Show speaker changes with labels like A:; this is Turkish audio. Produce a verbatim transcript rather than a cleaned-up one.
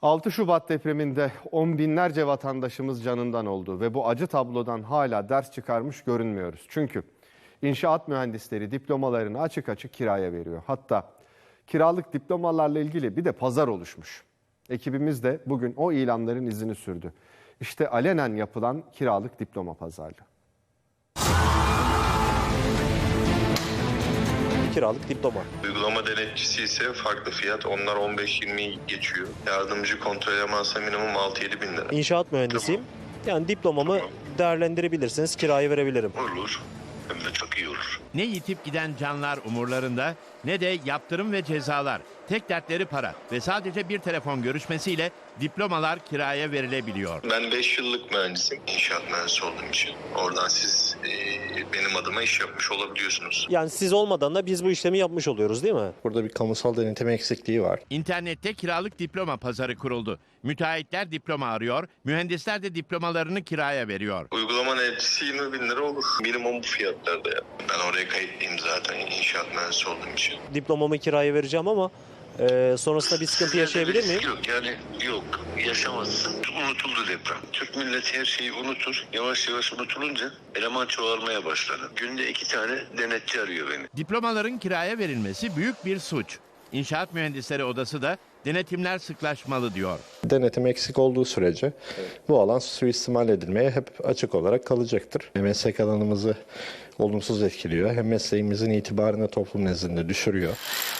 A: altı Şubat depreminde on binlerce vatandaşımız canından oldu ve bu acı tablodan hala ders çıkarmış görünmüyoruz. Çünkü inşaat mühendisleri diplomalarını açık açık kiraya veriyor. Hatta kiralık diplomalarla ilgili bir de pazar oluşmuş. Ekibimiz de bugün o ilanların izini sürdü. İşte alenen yapılan kiralık diploma pazarlığı.
B: Kiralık diploma.
C: Uygulama denetçisi ise farklı fiyat. Onlar on beş yirmiyi geçiyor. Yardımcı kontrol elemansa minimum altı yedi bin lira.
B: İnşaat mühendisiyim. Yani diplomamı
C: Tamam.
B: değerlendirebilirsiniz, kiraya verebilirim.
C: Olur. Hem de çok iyi olur.
D: Ne yitip giden canlar umurlarında ne de yaptırım ve cezalar. Tek dertleri para ve sadece bir telefon görüşmesiyle diplomalar kiraya verilebiliyor.
C: Ben beş yıllık mühendisim. İnşaat mühendisi olduğum için. Oradan siz e, benim adıma iş yapmış olabiliyorsunuz.
B: Yani siz olmadan da biz bu işlemi yapmış oluyoruz değil mi?
E: Burada bir kamusal denetim eksikliği var.
D: İnternette kiralık diploma pazarı kuruldu. Müteahhitler diploma arıyor, mühendisler de diplomalarını kiraya veriyor.
C: Uygulama denetçisi yirmi bin lira olur. Minimum bu fiyatlarda ya. Ben oraya kayıtlıyım zaten inşaat mühendisi olduğum için.
B: Diplomamı kiraya vereceğim ama e, sonrasında bir sıkıntı yaşayabilir miyim?
C: Yok yani yok yaşamazsın. Unutuldu deprem. Türk milleti her şeyi unutur. Yavaş yavaş unutulunca eleman çoğalmaya başladı. Günde iki tane denetçi arıyor beni.
D: Diplomaların kiraya verilmesi büyük bir suç. İnşaat Mühendisleri Odası da denetimler sıklaşmalı diyor.
E: Denetim eksik olduğu sürece bu alan suistimal edilmeye hep açık olarak kalacaktır. Meslek alanımızı olumsuz etkiliyor. Hem mesleğimizin itibarını toplum nezdinde düşürüyor.